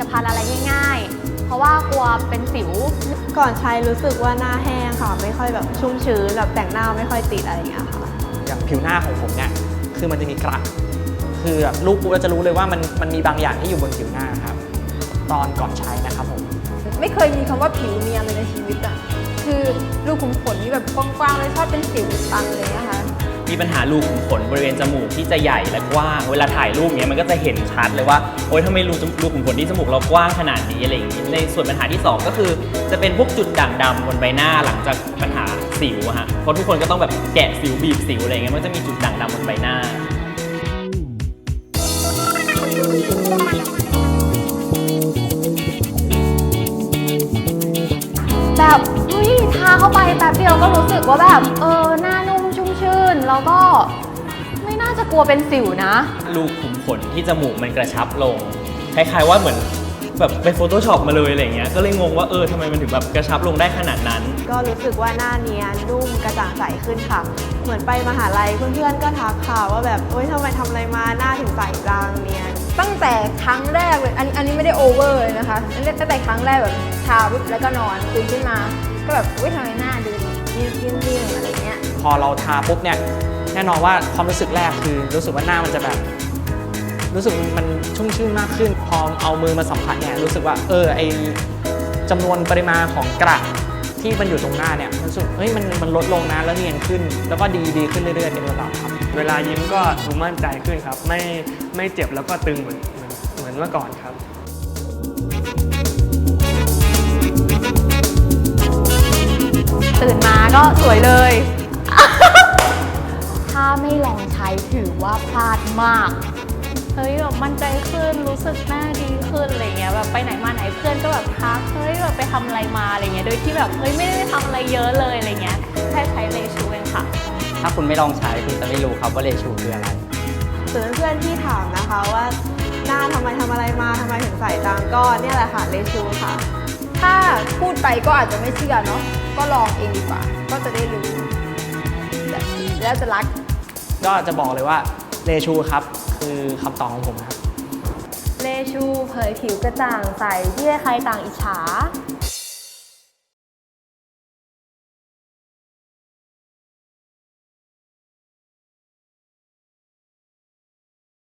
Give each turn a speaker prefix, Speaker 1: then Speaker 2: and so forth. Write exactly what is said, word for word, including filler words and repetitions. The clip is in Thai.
Speaker 1: ทานอะไรง่ายๆเพราะว่ากลัวเป็นสิว
Speaker 2: ก่อนใช้รู้สึกว่าหน้าแห้งค่ะไม่ค่อยแบบชุ่มชื้นแบบแต่งหน้าไม่ค่อยติดอะไรอย่างเงี้ยค่ะ
Speaker 3: อย่างผิวหน้าของผมเนี่ยคือมันจะมีกระคือแบบลูกปุ๊บเราจะรู้เลยว่ามันมันมีบางอย่างที่อยู่บนผิวหน้าครับตอนก่อนใช้นะครับผม
Speaker 4: ไม่เคยมีคำว่าผิวเนียนเลยในชีวิตอะคือรูขุมขนนี่แบบกว้างๆเลยชอบเป็นสิวตันเลยนะคะ
Speaker 5: มีปัญหารูขุมขนบริเวณจมูกที่จะใหญ่และกว้างเวลาถ่ายรูปเนี้ยมันก็จะเห็นชัดเลยว่าโอ๊ยทำไมรูรูขุมขนที่จมูกเรากว้างขนาดนี้อะไรอย่างนี้ในส่วนปัญหาที่สองก็คือจะเป็นพวกจุดด่างดำบนใบหน้าหลังจากปัญหาสิวอะฮะเพราะทุกคนก็ต้องแบบแกะสิวบีบสิวอะไรเงี้ยมันจะมีจุดด่างดำบนใบหน้า
Speaker 1: แบบเฮ้ยทาเข้าไปแป๊บเดียวก็รู้สึกว่าแบบเออหน้านุ่มชุ่มชื่นแล้วก็ไม่น่าจะกลัวเป็นสิวนะ
Speaker 5: รูขุมขนที่จมูกมันกระชับลงคล้ายๆว่าเหมือนแบบไปโฟโต้ช็อปมาเลยอะไรเงี้ยก็เลยงงว่าเออทำไมมันถึงแบบกระชับลงได้ขนาดนั้น
Speaker 2: ก็รู้สึกว่าหน้าเนียนนุ่มกระจ่างใสขึ้นค่ะเหมือนไปมหาลัยเพื่อนๆก็ทักค่ะว่าแบบโอ๊ยทำไมทำอะไรมาหน้าถึงใสจังเนียน
Speaker 4: ตั้งแต่ครั้งแรกเลยอันนี้อันนี้ไม่ได้โอเวอร์เลยนะคะตั้งแต่ครั้งแรกแบบทาปุ๊บแล้วก็นอนตื่นขึ้นมาก็แบบอุ้ยทำไมหน้าดูนิ่มๆอะไรเงี้ย
Speaker 3: พอเราทาปุ๊บเนี่ยแน่นอนว่าความรู้สึกแรกคือรู้สึกว่าหน้ามันจะแบบรู้สึกมันชุ่มชื่นมากขึ้นพอเอามือมาสัมผัสเนี่ยรู้สึกว่าเออไอจำนวนปริมาณของกระที่มันอยู่ตรงหน้าเนี่ยรู้สึกเฮ้ยมันมันลดลงนะแล้วเนียนขึ้นแล้วก็ดีดีขึ้นเรื่อยๆเป็นลำดับครับ
Speaker 6: เวลายิ้มก็ดูมั่นใจขึ้นครับไม่ไม่เจ็บแล้วก็ตึงเหมือนเหมือนเหมือนเมื่อก่อนครับ
Speaker 1: ตื่นมาก็สวยเลย ถ้าไม่ลองใช้ถือว่าพลาดมากเฮ้ยแบบมั่นใจขึ้นรู้สึกหน้าดีขึ้นอะไรเงี้ยแบบไปไหนมาไหนเพื่อนก็แบบทักเฮ้ยแบบไปทำอะไรมาอะไรเงี้ยโดยที่แบบเฮ้ยไม่ได้ทำอะไรเยอะเลยอะไรเงี้ยแค่ใช้เลชูเองค่ะ
Speaker 5: ถ้าคุณไม่ลองใช้คุณจะไม่รู้ครับว่าเลชูคืออะไร
Speaker 2: ส่วนเพื่อนที่ถามนะคะว่าหน้าทำไมทำอะไรมาทำไมถึงใสจังก็เนี่ยแหละค่ะเลชูค่ะ
Speaker 4: ถ้าพูดไปก็อาจจะไม่เชื่อเนาะก็ลองเองดีกว่าก็จะได้รู้แล้วจะรัก
Speaker 3: ก็จะบอกเลยว่าเลชูครับคือคำตอบของผมครับ
Speaker 1: เลชูเผยผิวกระจ่างใสที่ใครต่างอิจฉา